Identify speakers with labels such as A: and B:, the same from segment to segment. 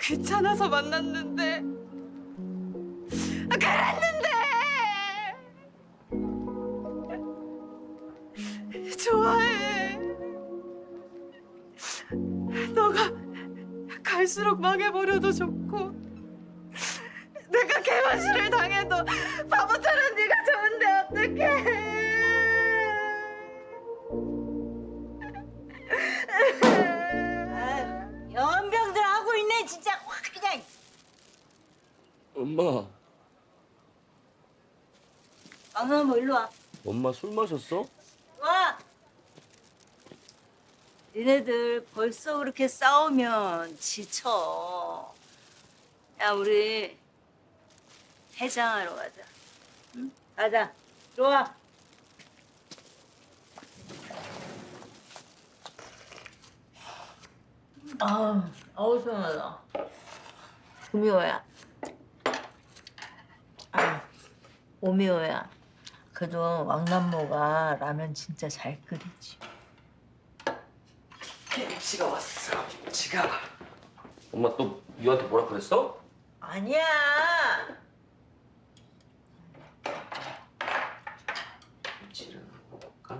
A: 귀찮아서 만났는데 그랬는데 좋아해. 너가 갈수록 망해버려도 좋고 내가 개무시를 당해도 바보처럼 네가 좋은데 어떡해.
B: 연병들 하고 있네 진짜 확 그냥.
C: 엄마,
B: 뭐 일로 와.
C: 엄마 술 마셨어?
B: 와. 니네들 벌써 그렇게 싸우면 지쳐. 야 우리 해장하러 가자. 응? 가자. 들어와. 아우 시원하다. 구미호야. 오미호야. 그래도 왕남모가 라면 진짜 잘 끓이지.
C: 김치가 왔어. 김치가. 엄마 또 유한테 뭐라 그랬어?
B: 아니야.
C: 김치를 먹을까?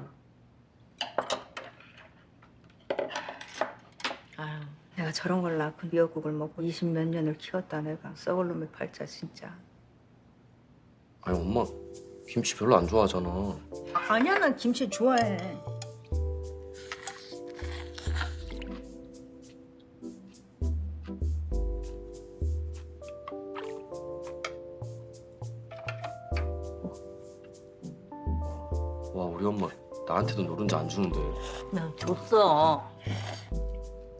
A: 아유, 내가 저런 걸 낳고 미역국을 먹고 20몇 년을 키웠다 내가. 썩을 놈의 팔자 진짜.
C: 아니 엄마 김치 별로 안 좋아하잖아.
A: 아니야, 난 김치 좋아해.
C: 와 우리 엄마 나한테도 노른자 안 주는데.
B: 그냥 줬어.